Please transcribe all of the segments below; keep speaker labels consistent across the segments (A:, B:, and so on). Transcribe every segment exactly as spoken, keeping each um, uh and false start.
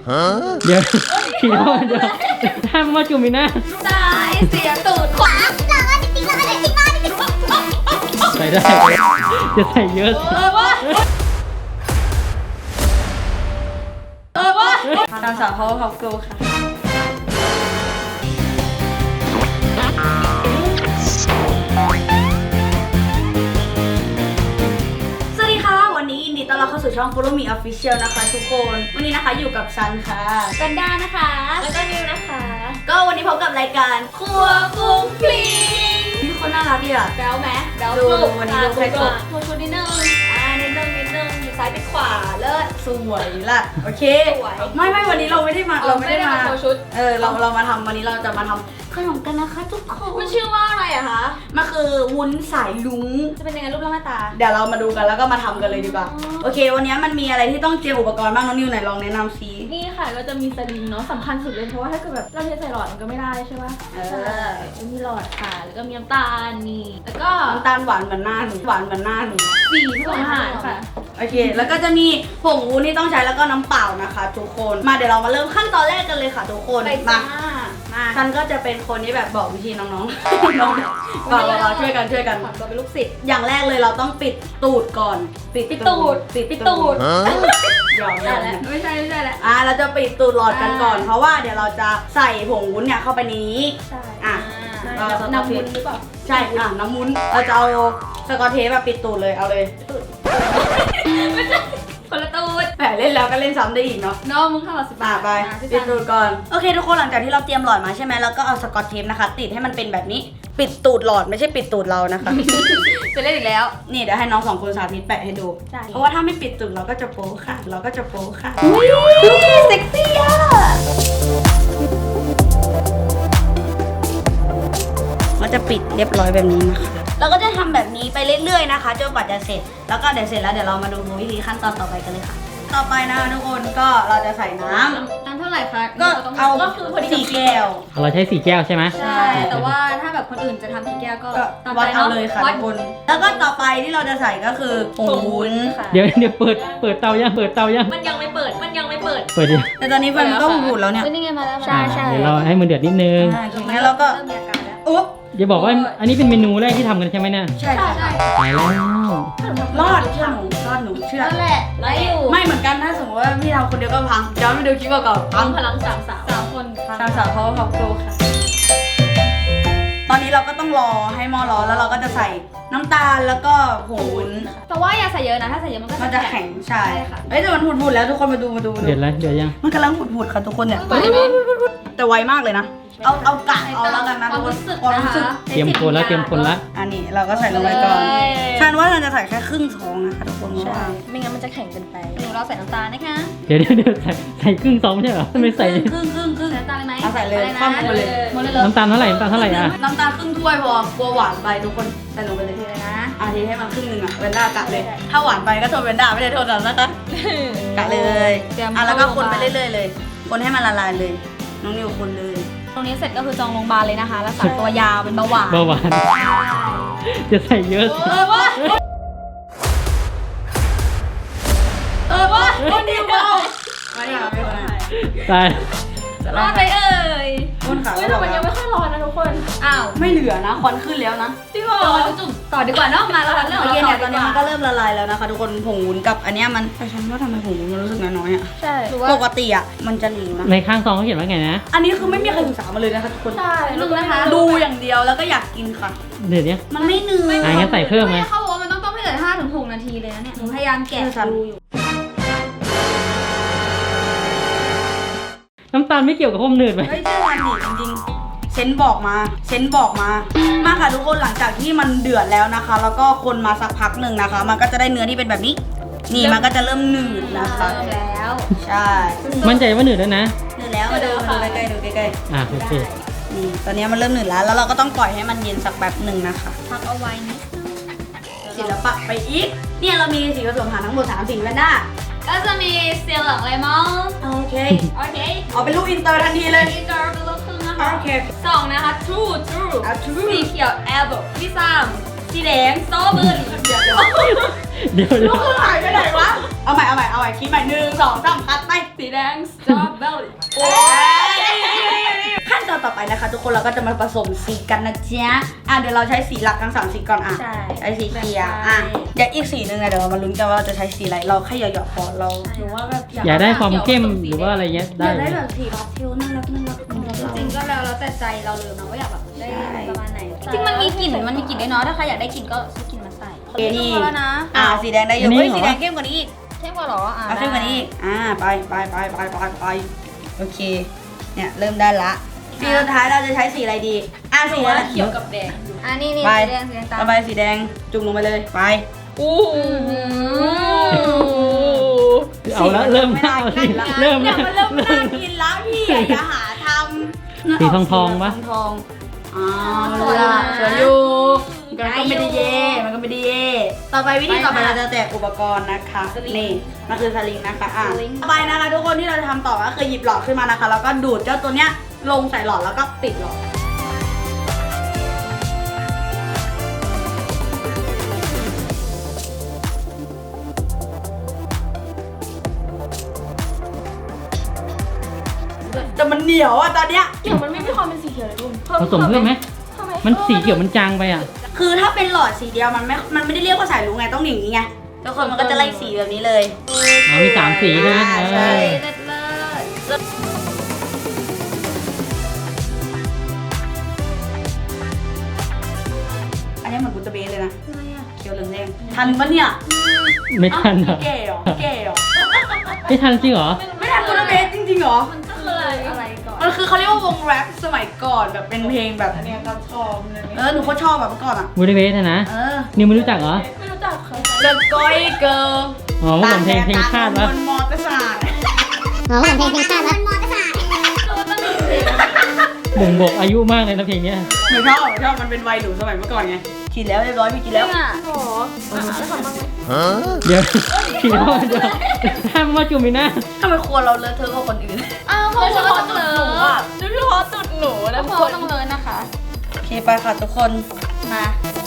A: เดี๋ยวขี่รถเดี๋ยวถ้ามาจุ่มอีกนะ
B: ซ้ายเสียตูดขวาหลังอันนี้จริงแล้วอันนี้จริงมากจริง
A: ใส่ได้จะใส่เยอะสิ
B: เออวะเออวะตามสาวเขาเขาโกค่ะสวัสดีค่ะวันนี้ยินดีต้อนรับเข้าสู่ช่อง Follow Me Official นะคะทุกคนวันนี้นะคะอยู่กับซันค่ะกันดานะคะแล้วก็นิวนะคะก็วันนี้พบกับรายการครัวกุ้งฟลิงพี่คนน่ารักดีอ่ะแบ๊วไหมแบ๊วสุดวันนี้ดูใครกดโชว์ชุดนิดนึงอ่านิดนึงนิดนึงอยู่ซ้ายไปขวาเลิศสวยล่ะโอเคไม่ไม่วันนี้เราไม่ได้มาเราไม่ได้มาโชว์ชุดเออเราเรามาทำวันนี้เราจะมาทำขนมกันนะคะทุกคนมันชื่อว่าอะไรอะคะมันคือวุ้นสายลุงจะเป็นยังไงรูปร่างหน้าตาเดี๋ยวเรามาดูกันแล้วก็มาทำกันเลยดีกว่าโอเควันนี้มันมีอะไรที่ต้องเตรียมอุปกรณ์บ้างน้องนิวไหนลองแนะนำซิ
C: นี่ค่ะก็จะมีสลิงเนาะสำคัญสุดเลยเพราะว่าถ้าเกิดแบบเราเทใส่หลอดมันก็ไม่ได้ใช่ป่ะเออมีหลอดค่ะแล้วก็มีน้ำตาลนี่แล้วก็
B: น้ำตาลหวานเหมือนหน้าหนูหวานเหมือนหน้าหนู
C: สีผสมอาหารค่ะ
B: โอเคแล้วก็จะมีผงวุ้นที่ต้องใช้แล้วก็น้ำเปล่านะคะทุกคนมาเดี๋ยวเรามาเริ่มขั้นตอนแรกกันเลยค่ะทุกคนมาฉันก็จะเป็นคนที่แบบบอกวิธีน้องๆน้องเราเราช่วยกันช่วยกัน
C: เราเป็นลูกศิษย์
B: อย่างแรกเลยเราต้องปิดตูดก่อน
C: ปิดตูด
B: ปิดตูดหยอกแล้ว
C: ไม่ใช่ไม่ใช่แล้ว
B: อ่ะเราจะปิดตูดหลอดกันก่อนเพราะว่าเดี๋ยวเราจะใส่ผงวุ้นเนี่ยเข้าไปในนี้
C: ใช่
B: อ่ะ
C: น้ำวุ้นหรือเปล่า
B: ใช่อ่ะน้ำวุ้นเราจะเอาสกอตเทปแบบปิดตูดเลยเอาเลย
C: ไม่ใช่คนละตูด
B: แหมเล่นแล้วก็เล่นซ้ำได้อีกเนาะ
C: น้องมึงเข้ามาสิบ
B: าทไปปิดตูดก่อนโอเคทุกคนหลังจากที่เราเตรียมหลอดมาใช่ไหมแล้วก็เอาสกอตเทปนะคะติดให้มันเป็นแบบนี้ปิดตูดหลอดไม่ใช่ปิดตูดเรานะคะ
C: จะเล่นอีกแล้ว
B: นี่เดี๋ยวให้น้องสองคนสาธิตแปะให้ดูเพราะว่าถ้าไม่ปิดตูดเราก็จะโป๊ค่ะเราก็จะโป๊ค่ะ
C: อุ้ยเซ็กซี่อ่ะ
B: ก็จะปิดเรียบร้อยแบบนี้นะคะเราก็จะทำแบบนี้ไปเรื่อยๆนะคะจนกว่าจะเสร็จแล้วก็เดี๋ยวเสร็จแล้วเดี๋ยวเรามาดูวิธีขั้นตอนต่อไปกันเลยค่ะต่อไปนะคะทุกคนก็เราจะใส่น้
C: ำน้ำเท่าไหร่คะ
B: ก็เอา
C: ก็คือพอดี
B: สี่แก้ว
A: เราใช้สี่แก้วใช่ไหม
C: ใช่แต่ว่าถ้าแบบคนอื่นจะทำกี่แก้วก็
B: วัดเอาเลยค่ะทุกคนแล้วก็ต่อไปที่เราจะใส่ก็คือผงวุ้น
A: เดี๋ยวเดี๋ยวเปิดเปิดเตายังเปิดเตายัง
C: มันยังไม่เปิดมันยังไม่เปิด
A: เปิดดิ
B: แต่ตอนนี้มันก็บูดแล้วเนี่ย
C: นี่ไงมาแล้ว
B: ใช่ใช่
A: เดี๋ยวเราให้มันเดือดนิดนึง
B: งั้นเราก็อุ๊บ
A: อย่าบอกว่าอันนี้เป็นเมนูแรกที่ทำกันใช่ไหมเนี่ย
B: ใช่ใช่
A: ตายแล้ว
B: รอดเชื่อหนูรอดหนูเชื่อ
C: นั่นแหละไรอยู่
B: ไม่เหมือนกันถ้าสมมติว่าพี่ทำคนเดียวก็พังย้อนไปดูคลิปก่อน
C: พังพลังสามสาวสามคน
B: สามสาวเขาเขาโกค่ะตอนนี้เราก็ต้องรอให้หม้อร้อนแล้วเราก็จะใส่น้ำตาลแล้วก็ผงวุ้น
C: แต่ว่าอย่าใส่เยอะนะถ้าใส่เยอะมันก็
B: มันจะแข็งใช่ค่ะเอ้ยแต่มันหุดๆแล้วทุกคนมาดูมาดู
A: เดือดแล้วเดือดยัง
B: มันกำลังหุดๆค่ะทุกคนเนี่ยแต่ไวมากเลยนะเอาเอากะเอาแล้วกันนะทุกคนความรู้สึก
A: เตรียมคนแล้วเตรียมคนละ
B: อันนี้เราก็ใส่ลงไปก่อนฉันว่าเราจะใส่แค่ครึ่งซองนะคะทุกคน
C: ใช่ไม่งั้นมันจะแข็งเกินไปหนูเราใส่น้ำตาลนะคะ
A: เดี๋ยวเดี๋ยวใส่ใส่ครึ่งซองไม่ใช่เหรอไม่ใส่
B: ครึ่งครึ่งครึ่ง
C: น้ำตาลเลยไหม
B: เอาใส่เลยข้ามไปเลย
A: น้ำตาลเท่าไหร่น้ำตาลเท่าไหร่อะ
B: น้ำตาลครึ่งถ้วยพอกลัวหวานไปทุกคนใส่ลงไปเลยทีเลยนะอาทีให้มันครึ่งหนึ่งอะเวนด้ากะเลยถ้าหวานไปก็โทษเวนด้าไม่ได้โทษเรานะคะกะเลยอ่ะแล้วก็คนไปเรื่อยๆเลยคนให้มันละลายเลยน้องนิวคนเลย
C: ตรงนี้เสร็จก็คือจองโรงพยาบาลเลยนะคะรักษาตัวยาวเป็นเบาหวาน
A: เบาหวานจะใส่เยอะ
C: เออวะเออวะ
B: คนนิวเบาไม่ได้ไม่ได้
A: ตาย
C: รอดไปเอ่ย
B: คนขา
C: แต่มันยังไม่ค่อยร้อนนะทุกคนอ้าว
B: ไม่เหลือนะควันขึ้นแล้วนะ
C: จริงเหรอจุ่มต่อดีกว่าเนาะมาแล้วเรื่องของเรา
B: ตอนนี้มันก็เริ่มละลายแล้วนะคะทุกคนผงวุ้นกับอันนี้มันแต่ฉันว่าทำไมผงวุ้นมันรู้สึกน้อยๆอ่ะ
C: ใช่
B: ปกติอ่ะมันจะเหลวนะ
A: ในข้างซองเขาเขียนว่าไงนะ
B: อันนี้คือไม่มีใครศึกษามาเลยนะคะทุกคน
C: ใช่
B: ดูนะคะดูอย่างเดียวแล้วก็อยากกินค่ะ
A: เดี๋ยวนี้
B: มันไม่เหนื่อย
A: อ่ะงั้นใส่เพิ่มไหม
C: เขาบอกว่ามันต้องต้มให้เหลือห้าถึงหกนาทีเลยนะเนี่ยหนูพยายามแกะดูอยู่
A: น้ำตาลไม่เกี่ยวกับความหนืดไหม
B: เฮ้ยเชื่อมันดิจริงๆเซนบอกมาเซนบอกมามาค่ะทุกคนหลังจากที่มันเดือดแล้วนะคะแล้วก็คนมาสักพักหนึ่งนะคะมันก็จะได้เนื้อที่เป็นแบบนี้นี่มันก็จะเริ่มหนืดนะคะ
C: เริ่มแล้ว
B: ใช่
A: มั่นใจว่าหนืดแล้วนะ
B: หนืดแล้วมาดูมาดูใกล้ๆดูใกล้
A: ๆอ่ะโอเค
B: นี่ตอนนี้มันเริ่มหนืดแล้วแล้วเราก็ต้องปล่อยให้มันเย็นสักแบบหนึ่งนะคะ
C: พักเอาไว้นิด
B: ศิลปะไปอีกเนี่ยเรามีสีผสมอาหารทั้งหมดสามสีแวนด้า
C: ก็จะมีเซียหลังเลมอน
B: โอเค
C: โอเค
B: เอาเป็นลูกอินเตอร์ทันทีเลย
C: อินเตอร์เป็นลูกครึ่งนะคะ
B: โอเค
C: สองนะคะ true true สีเขียว apple ที่สามสีแดงสตรอเบอร์รี่
A: เดี๋ยวเดี๋ยว
B: ลูกครึ่งหายไปไหนวะเอาใหม่เอาใหม่เอาใหม่คิดใหม่หนึ่งสองสามคัดไป
C: สีแดง strawberry
B: ขั้นตอนต่อไปนะคะทุกคนเราก็จะมาผสมสีกันนะจ๊ะอ่ะเดี๋ยวเราใช้สีหลักทั้งสามสีก่อนอ่ะ
C: ใช่
B: ใช้สีเขียวอ่ะเดี๋ยวอีกสีหนึ่งนะเดี๋ยวเรามาลุ้นกันว่าเราจะใช้สีอะไรเราแค่หยอกๆพอเรา
C: หรือว่าแบบ
A: อยากได้ความเข้มหรือว่าอะไรเงี้ย
B: อ
A: ได้
B: ยาก
A: เล
B: ได้
A: ย
B: แบบสีพาสเทลน่ารักน่ารักของเรา
D: จริงๆก็แล้วแล้วแต่ใจเราเลยนะว่าอยากแบบได้
B: ใช่
D: ประมาณไหน จริงๆมันมีกลิ่นมันมีกลิ่นด้วยเนาะถ้าใครอยากได้กลิ่นก็ซื้อกลิ่นมาใส่
B: โอเคนี่
D: พอแล้วนะ
B: อ่ะสีแดงได้เยอะเฮ้ยสีแดงเข้มกว่านี้อีก
D: เข้มกว่าเหรออ่า
B: เอาเข้มกว่านี้อีกอ่าไปไปไปไปไปไปโอเคเนี่ยเริ่มได้ละสีสุดท้ายเราจะใช้สีอะไรดีอ่ะสีอะไร
C: เขียวกับแดง
D: อ่านี่นี่
B: ไป
D: สีแดงสีแดงตาม
B: ต่อไปสีแดงจุ่มลงไปเลยไป
C: อู้
A: เอาละเริ่มหน้าเอาสิเริ่ม
B: เนี่
A: แล้
B: ยว มันเริ่มน่ากินแล้วพี่อ่ะอย่าหาทำ
A: สีทองทองๆปะ
B: ทองทองอ๋อสวยอ่ะสวยอยู่มันก็ไม่ได้เย่มันก็ไม่ได้เย่ต่อไปวิธีต่อไปเราจะแจกอุปกรณ์นะคะนี่มันคือสลิงนะคะอ่ะต่อไปนะคะทุกคนที่เราจะทำต่อก็คือหยิบหลอดขึ้นมานะคะแล้วก็ดูดเจ้าตัวเนี้ยลงใส่หลอดแล้วก็ปิดหลอดแต่มันเหนียวอ่ะตอนเนี้ย
C: เขียวมันไม่มีความเป็นสีเขียวเลยคุณ
A: ผสมเพิ่มไหม
C: ทำไม
A: มันสีเขียวมันจางไปอ่ะ
B: คือถ้าเป็นหลอดสีเดียวมันไม่ มันไม่ได้เรียกว่าสายรุ้งไงต้องอย่างนี้ไงทุกคนมันก็จะไล่สีแบบนี้เลย
A: อ๋อมีสามสีใช่ไหม
B: อ่า
A: เอ
B: ใช่
A: อ
D: เลิศเลิศ
B: อันนี้เหมือนกุตเบสเลยนะเขียวเหลืองแดงทันปะเนี่ย
A: ไม่ทันเหรอ
B: เก๋เหรอเก๋เหรอ
A: ไม่ทันจริงเหรอ
B: ไม่ทันกุตเบสจริงๆเหรอ
C: มันคืออะไรอะไรก่อน
B: มันคือเขาเรียกว่าวงแรปสมัยก่อนแบบเป็นเพลงแบบอันนี้ก็ชอบเลยเออหนูก็ชอบแบบเมื่อก่อนอ่ะ
A: บูดาเบสนะ
B: เออ
A: นิวไม่รู้จักเหรอ
C: ไม่รู้จักค่ะ
B: The Goy Girl
A: อ๋อเมื่อก่อนเพลงเพลงชาติ
B: วะ
A: วะ
B: บนมอเตอร์ไซค์
E: อ๋อเพลงเพลงชาติแล้ว
A: บ่งบอกอายุมากเลยนะเพลงเนี้ย
B: หนูชอบหนูชอบมันเป็นวัยหนูสมัยเมื่อก่อนไงกินแล้วเรียบร้อยพี่กินแล้ว
C: โอ้โหอ่ะแล้วทำบ้างไหม
A: เดี๋ยวผีโดนเดี๋ยวห้ามมาจุ่มอีกนะ
B: ทำไมครัวเราเลอะเทอะกว่าคนอื่น
C: อ้าวเขาบอกว่าต้องเลยโดยเฉพาะจุดหนูนะ
D: ทุ
C: ทุ
D: ก
C: ก
D: ค
C: คน น
D: ต้องเลยนะคะ
B: โอเคไปค่ะทุกคนมา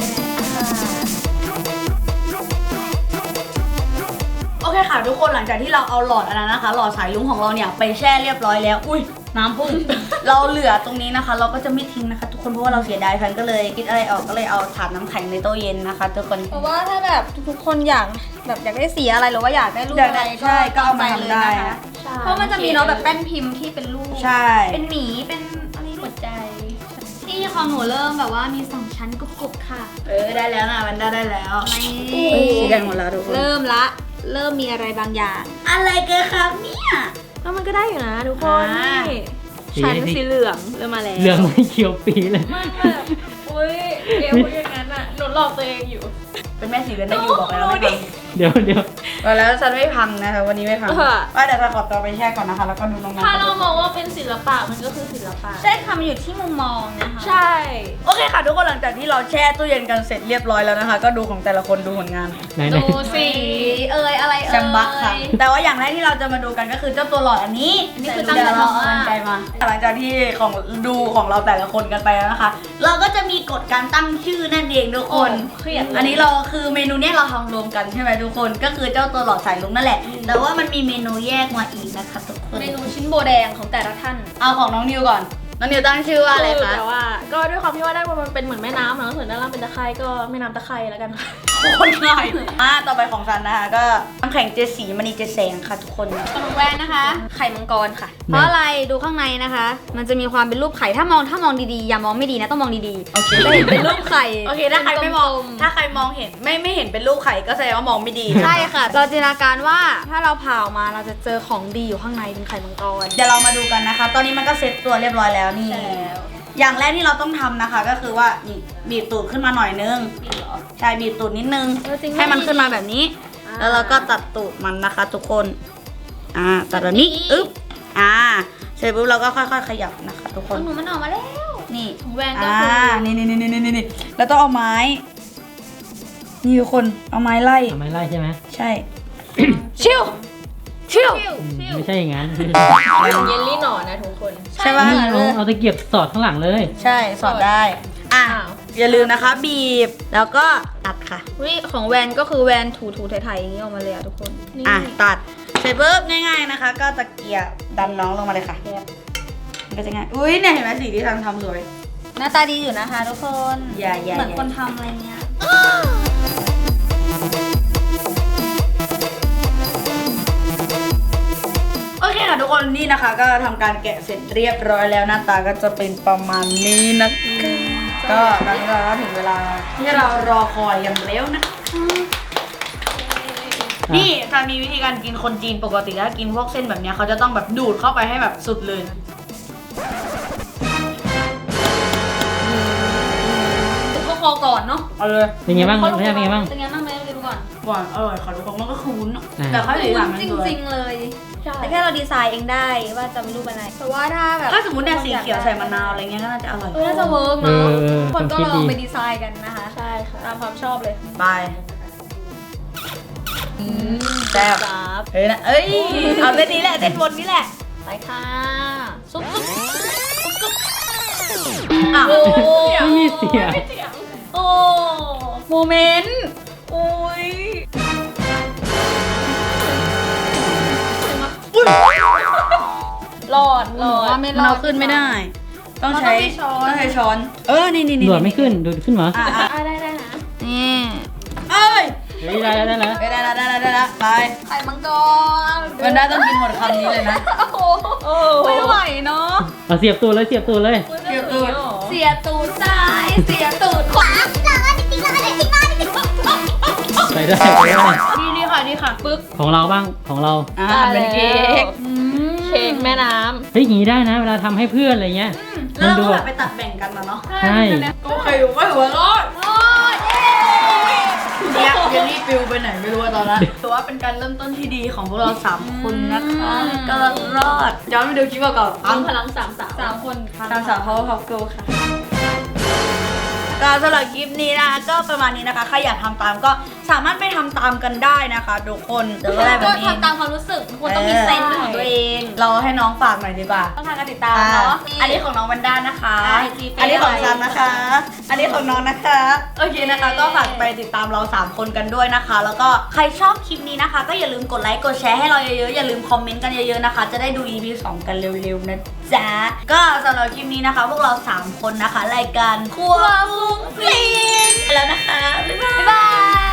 B: โอเคค่ะทุกคนหลังจากที่เราเอาหลอดอันนั้นนะคะ หลอดสายลุงของเราเนี่ยไปแช่เรียบร้อยแล้ว อุ้ยน้ำพุ่ง เราเหลือตรงนี้นะคะ เราก็จะไม่ทิ้งนะคะทุกคนเพราะว่าเราเสียดายพันก็เลยคิดอะไรออกก็เลยเอาถาดน้ำแข็งในตู้เย็นนะคะ ทุกคน
D: เพราะว่าถ้าแบบทุกๆคนอยากแบบอยากได้สีอะไรหรือว่าอยากได้รูป
B: อยาก
D: อะไร
B: ได้ใช่ก็เอามาทำได้
D: เลยนะคะเพราะมันจะมีเนาะแบบแป้นพิมพ์ที่เป็นรูป
B: ใช่
D: เป็นหมีเป็นอะไรหัวใจ ที่ของหนูเริ่มแบบว่ามีสองชั้นกรุบๆค่ะ
B: เออได้แล้วนะมันได้ได้แล้ว
D: นี่
B: เอ้ยสีแดงหมดแล้วทุกคน
D: เริ่มละเริ่มมีอะไรบางอย่าง
B: อะไรกันครับเนี่ย
C: แล้วมันก็ได้อยู่นะทุกคน
B: อ่า
C: นี่ชั้นสีเหลืองเริ่มมาแล้ว
A: เหลืองไม่เขียวปีเลย
C: มันแบบอุ้ยเดี๋ยวพูดอย่างนั้นอ่ะหนูหลอกตัวเองอยู่
B: เป็นแม่สีเรือนได้อยู่บอกแล้วไม่พัง
A: เดี๋ยวเดี๋ยว
B: บอกแล้วฉันไม่พังนะคะวันนี้ไม่พัง
C: เออ
B: ว่าเดี๋ยวจะขอตัวไปแช่ก่อนนะคะ แล้วก็ดูน้องๆ
C: ถ้าเรามองว่าเป็นศิลปะมันก็คือศิลปะ
D: ใช่ค่ะมันอยู่ที่มุมมองนะคะ
C: ใช่
B: โอเคค่ะทุกคนหลังจากที่เราแช่ตู้เย็นกันเสร็จเรียบร้อยแล้วนะคะ ก็ดูของแต่ละคนดูผลงาน
A: ไหนไหน
C: ดูสิ
D: เอ่ยอะไรเอ่ย
B: แซมบักค่ะ แต่ว่าอย่างแรกที่เราจะมาดูกันก็คือเจ้าตัวหลอดอันนี้
D: อันนี้คือตั้ง
B: เดี๋ยวเรา
D: ใจ
B: เอา
D: มาก
B: กรรไกรมาหลังจากที่ของดูของเราแต่ละคนกันไปแล้วนะคะ เราก็จะมีกฎการตั้งชื่อนั่นเองทุกคน
C: เครียด
B: อันนี้เราคือเมนูเนี้ยเราทำรวมกันใช่ไหมทุกคนก็คือเจ้าตัวหลอดสายลุงนั่นแหละ แต่ว่ามันมีเมนูแยกมาอีกนะคะทุกคน
D: เมนูชิ้นโบแดงของแต่ละท่าน
B: เอาของน้องนิวก่อนน้องนิวตั้งชื่อว่าอะไรคะ
C: แต่ว่า ก็ด้วยความที่ว่าด้านบนมันเป็นเหมือนแม่น้ำเนาะส่วนด้านล่างเป็นตะไคร่ก็แม่น้ำตะไคร่แล้วกันค่ะ
B: โคนง่ายอ่ะต่อไปของซันนะคะก็น้ำแข็งเจดสีมณีเจดแสงค่ะทุกคน
D: ขนมแวนนะคะ ไข่มังกรค่ะ เพราะอะไรดูข้างในนะคะ มันจะมีความเป็นรูปไข่ถ้ามองถ้ามองดีๆอย่ามองไม่ดีนะต้องมองดี
B: โอเค
D: ๆจะเห็นเป็นรูปไข่
B: โอเคถ้าใครไม่มอง
D: กลๆ
B: ถ้าใครมองเห็นไม่ไม่เห็นเป็นรูปไข่ก็แสดงว่ามองไม่ดี
D: ใช่ค่ะ เราจินตนาการว่าถ้าเราผ่าออกมาเราจะเจอของดีอยู่ข้างในเป็นไข่มังกร
B: เดี๋ยวเรามาดูกันนะคะ ตอนนี้มันก็เซ็ตตัวเรียบร้อยแล้วนี่ อย่างแรกที่เราต้องทำนะคะ ก็คือว่านี่บีบตูดขึ้นมาหน่อยนึงใช่บีบตูดนิดนึง
D: เออจริง
B: ให้มันขึ้นมาแบบนี้ แล้วเราก็ตัดตูดมันนะคะ ทุกคน อ่าตัดแบบนี้อึ๊บอ่าเสร็จปุ๊บเราก็ค่อยๆขยับนะคะ ทุกค
D: ขอน งหนูมันออกมาแล้ว
B: นี่
C: ของแวนก็
B: อ่า
C: คือ
B: นี่นี่นี่นี่นี่นี่แล้วต้องเอาไม้ นี่ทุกคนเอาไม้ไล่
A: ทำไมไล่ใช่ไหม
B: ใช่ ชิวชิว
A: อืมไม่ใช่อย่างนั้น
C: เยลลี่หนอนนะทุกคน
B: ใช่ปะ
A: นี่เอาเอาตะเกียบสอดข้างหลังเลย
B: ใช่สอดได้ อ่ะ
C: อ้าว
B: ทอย่าลืมนะคะบีบแล้วก็ตัดค่ะ
D: วิของแวนก็คือแวนถูถูๆไถๆอย่างนี้ออกมาเลยอะทุกคน
B: อ่ะตัดเสร็จปุ๊บง่ายๆนะคะ ก็ตะเกียบดันน้องลงมาเลยค่ะมันก็จะง่ายอุ้ยเนี่ยเห็นไหมสีที่ทางทำสวย
D: หน้าตาดีอยู่นะคะทุกคน
B: อย่าอย่า
D: เหมือนคนทำอะไรเงี้ย
B: โอเคค่ะทุกคนนี่นะคะ ก็ทำการแกะเสร็จเรียบร้อยแล้วหน้าตาก็จะเป็นประมาณนี้นะคะก็ตอนนี้เราก็ถึงเวลาที่เรารอคอยอย่างเร็วนะคะนี่จะมีวิธีการกินคนจีนปกติถ้ากินพวกเส้นแบบเนี้ยเขาจะต้องแบบดูดเข้าไปให้แบบสุดเลยก็คอก่อนเนาะเอาเลย
A: เป็นไงบ้างเป็นไงเป็นไงบ้าง
D: เป็นไงบ้างไหมดูก่อน
B: หวานอร่อยค่ะทุกคนมันก็คือวุ้นอะ
A: อ่า
B: แต่ข้าวเหนียวหลังมัน
D: จ
B: สวย
D: ริงๆเลย
C: ใช่
D: แต่แค่เราดีไซน์เองได้ว่าจะเป็นรูปอะไรเพราะว่าถ้าแบบ
B: ถ้าสมมติเนี่ยสีเขียวใส่มะนาวอะไรเงี้ยก็น่าจะอร่อย
D: เออน่าจะเวิร์ก
A: เอ
D: เนาะ
A: อเออ
D: คนก็
A: คิด
D: ล
A: ดี
D: องไปดีไซน์กันนะคะ
C: ใช่ค่ะ
D: ตามความชอบเลย
B: บายแซ่บเอ้ยนะเอ้ยเอาเส้นนี้แหละเส้นบนนี้แหละ
D: ไปค่ะซุปซุป
B: อ้าว
D: โอ้
A: ไม่มีเสียง
D: โอ้
B: โมเมนต์โอ้ยอุ๊ย
C: หลอดหลอด
D: ว่าไม่
B: มัน
D: รอ
B: เอา
D: ด
B: ขึ้นไม่ได้ ต้องใช้
D: เราต้องมีช้อน
B: ต้องใช้ช้อน เออนี่นี่นี่
A: ดูดไม่ขึ้นดูดขึ้นเหรอ
B: อ่ะอ่ะ
C: อ่ะได้ได้นะ
D: นี่
B: เอ้ย
A: เฮ้ยได้แล้วได้แล้ว
B: เอ้ยได้แล้วได้แล้วได้แล้วไป
D: ไข่มังกร
B: มันได้ต้องกินหมดคำนี้เลยนะ
D: โอ้โหไม่ไหวเนาะ
A: เอาเสียบตัวเลยเสียบตัวเลย
B: เกี่ยวตูด
D: เสียตูดซ้ายเสียตูดขวา
A: ไปได้ไปได้
B: นี่นี่ค่ะนี่ค่ะปึ๊บ
A: ของเราบ้างของเรา
B: อ่าเป็นเค้ก
C: เค้กแม่น้
A: เฮ้ยอย่างนี้ได้นะ เวลาทำให้เพื่อนอะไรเงี้ย
B: แล้ว
A: มัน
B: เรา
A: ดู
B: ก็แบ
A: แบบ บ
B: ไปตัดแบ่งกันนะเนาะ
A: ใช่
B: ก็ใครอยู่ก็หัวร้อนโอ้ยเนี่ยเยลลี่ปิวไปไหนไม่รู้อะตอนนั้นถือว่าเป็นการเริ่มต้นที่ดีของพวกเราสามคนนะคะก็รอดย้อนไปดูคลิปเก่าๆ
C: ำ
B: อัง
C: พลังสามสาว
D: สามคน
B: ตามสาวเขาเขาเกิลค่ะก็สำหรับคลิปนี้นะคะก็ประมาณนี้นะคะใครอยากทำตามก็สามารถไปทำตามกันได้นะคะทุกคนเดี๋ยวก็ได้แบ
D: ก็
B: บนี้
D: ทำตามความรู้สึกควรต้องมีเซนส์เป็นของตัวเอง
B: เราให้น้องฝากหน่อยดีกว่า
D: ต้องทางการติดตามเนาะ
B: อันนี้ของน้องวันด้านะคะ
D: ไอจีเฟซ
B: อันนี้ของซันนะคะ อันนี้ของน้องนะคะ โอเคนะคะ ก็ฝากไปติดตามเราสามคนกันด้วยนะคะ แล้วก็ใครชอบคลิปนี้นะคะ ก็อย่าลืมกดไลค์กดแชร์ให้เราเยอะๆ อย่าลืมคอมเมนต์กันเยอะๆนะคะ จะได้ดู อี พี สองกันเร็วๆนะจ๊ะ ก็สำหรับคลิปนี้นะคะ พวกเราสามคนนะคะรายการครัวฟุ้งฟิ้งไปแล้วนะคะ บ๊ายบาย